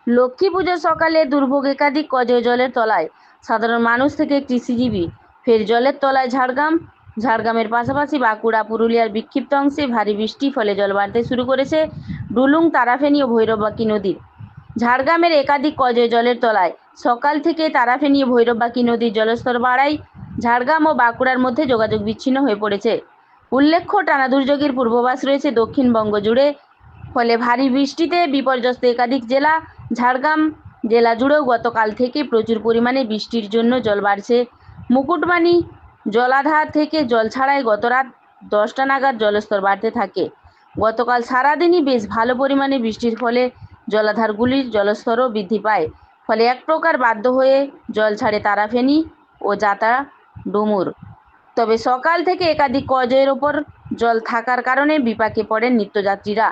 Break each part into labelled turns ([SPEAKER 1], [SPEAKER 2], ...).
[SPEAKER 1] লক্ষ্মী পুজোর সকালে দুর্ভোগ একাধিক কজের জলের তলায় সাধারণ মানুষ থেকে কৃষিজীবী। ফের জলের তলায় ঝাড়গ্রামের পাশাপাশি বাঁকুড়া, পুরুলিয়ার বিক্ষিপ্ত অংশে ভারী বৃষ্টির ফলে জল বাড়তে শুরু করেছে ডুলুং, তারাফেনী ও ভৈরববাঁকি নদীর। ঝাড়গ্রামের একাধিক কজের জলের তলায় সকাল থেকে তারাফেনী ও ভৈরববাঁকি নদীর জলস্তর বাড়ায় ঝাড়গ্রাম ও বাঁকুড়ার মধ্যে যোগাযোগ বিচ্ছিন্ন হয়ে পড়েছে। উল্লেখ্য, টানা দুর্যোগের পূর্বাভাস রয়েছে দক্ষিণবঙ্গ জুড়ে। ফলে ভারী বৃষ্টিতে বিপর্যস্ত একাধিক জেলা। ঝাড়গ্রাম জেলা জুড়েও গতকাল থেকে প্রচুর পরিমাণে বৃষ্টির জন্য জল বাড়ছে। মুকুটমানি জলাধার থেকে জল ছাড়ায় গত রাত 10টা নাগাদ জলস্তর বাড়তে থাকে। গতকাল সারাদিনই বেশ ভালো পরিমাণে বৃষ্টির ফলে জলাধারগুলির জলস্তরও বৃদ্ধি পায়। ফলে এক প্রকার বাধ্য হয়ে জল ছাড়ে তারাফেনী ও জাতা ডুমুর। তবে সকাল থেকে একাধিক কজের ওপর জল থাকার কারণে বিপাকে পড়েন নিত্যযাত্রীরা।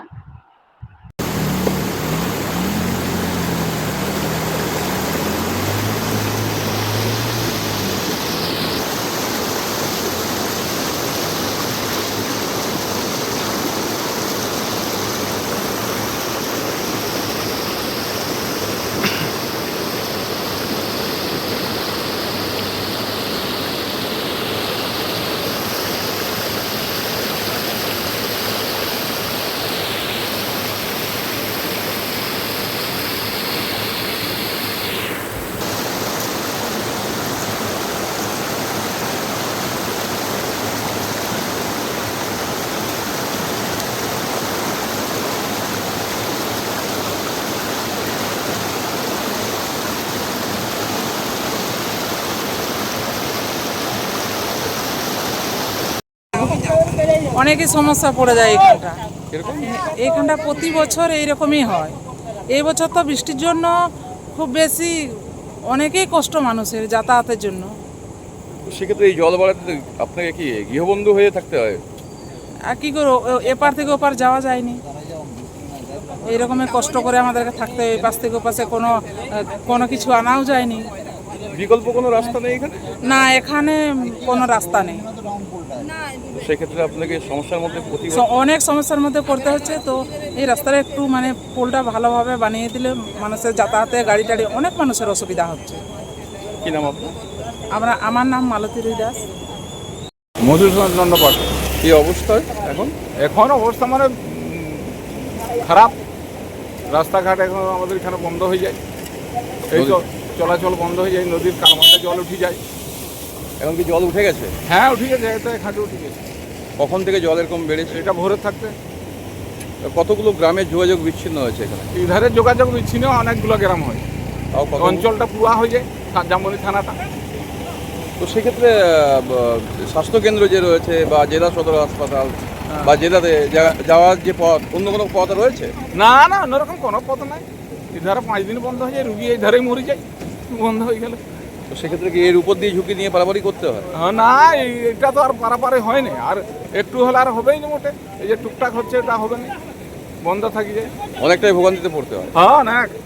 [SPEAKER 2] অনেকই সমস্যা পড়ে যায় এইখানটা। এইখানটা প্রতি বছর এইরকমই হয়। এই বছর তো বৃষ্টির জন্য খুব বেশি অনেকেই কষ্ট মানুষের যাতায়াতের জন্য।
[SPEAKER 3] সেক্ষেত্রে এই জল বাড়াতে আপনাকে কি গৃহবন্ধু হয়ে থাকতে হয়?
[SPEAKER 2] আর কী করে এপার থেকে ওপার যাওয়া যায়নি, এইরকমের কষ্ট করে আমাদেরকে থাকতে হয়। এপাশ থেকে ওপাশে কোনো কিছু আনাও যায়নি।
[SPEAKER 3] বিকল্প কোনো রাস্তা নেই এখানে?
[SPEAKER 2] না, এখানে কোনো রাস্তা নেই।
[SPEAKER 3] সেক্ষেত্রে আপনাকে সমস্যার মধ্যে
[SPEAKER 2] অনেক সমস্যার মধ্যে পড়তে হচ্ছে। তো এই রাস্তাটা একটু পোলটা ভালোভাবে বানিয়ে দিলে মানুষের যাতায়াতে গাড়ি টাড়ি অনেক মানুষের অসুবিধা হচ্ছে।
[SPEAKER 3] কি নাম আপনার?
[SPEAKER 2] আমার নাম মালতী দাস।
[SPEAKER 3] মধুসূদন দণ্ডপাঠ। কি অবস্থায় এখন?
[SPEAKER 4] এখন অবস্থা খারাপ। রাস্তাঘাট এখন আমাদের এখানে বন্ধ হয়ে যায়, এই তো চলাচল বন্ধ হয়ে যায়, নদীর কালভার্টে জল উঠে যায়।
[SPEAKER 3] এখন কি জল উঠে গেছে?
[SPEAKER 4] হ্যাঁ, উঠে গেছে, এটা ঘাটে উঠে গেছে।
[SPEAKER 3] কখন থেকে জল এরকম বেড়েছে?
[SPEAKER 4] এটা ভোরে থাকতে
[SPEAKER 3] কতগুলো গ্রামের যোগাযোগ বিচ্ছিন্ন হয়েছে এখানে?
[SPEAKER 4] এই ধারে যোগাযোগ বিচ্ছিন্ন অনেকগুলো গ্রাম হয়,
[SPEAKER 3] তাও
[SPEAKER 4] অঞ্চলটা পুরা হয়ে যায়, জামবনি থানাটা।
[SPEAKER 3] তো সেক্ষেত্রে স্বাস্থ্যকেন্দ্র যে রয়েছে বা জেলা সদর হাসপাতাল বা জেলাতে যাওয়ার যে পথ, অন্য কোনো পথ রয়েছে?
[SPEAKER 4] না না, অন্যরকম কোনো পথ নাই। এই ধারে 5 দিন বন্ধ হয়ে যায়, রুগী এই ধারে মরে যায় বন্ধ হয়ে গেলে।
[SPEAKER 3] তো সেক্ষেত্রে কি এর উপর দিয়ে ঝুঁকি নিয়ে পারাপারি করতে হয়?
[SPEAKER 4] হ্যাঁ, না, এটা তো আর পারাপারে হয় না, আর একটু হলে আর হবেই না মোটে। এই যে টুকটাক হচ্ছে, এটা হবে না, বন্ধ থাকি যায়,
[SPEAKER 3] অনেকটাই ভোগান্তিতে পড়তে হয়।
[SPEAKER 4] হ্যাঁ না।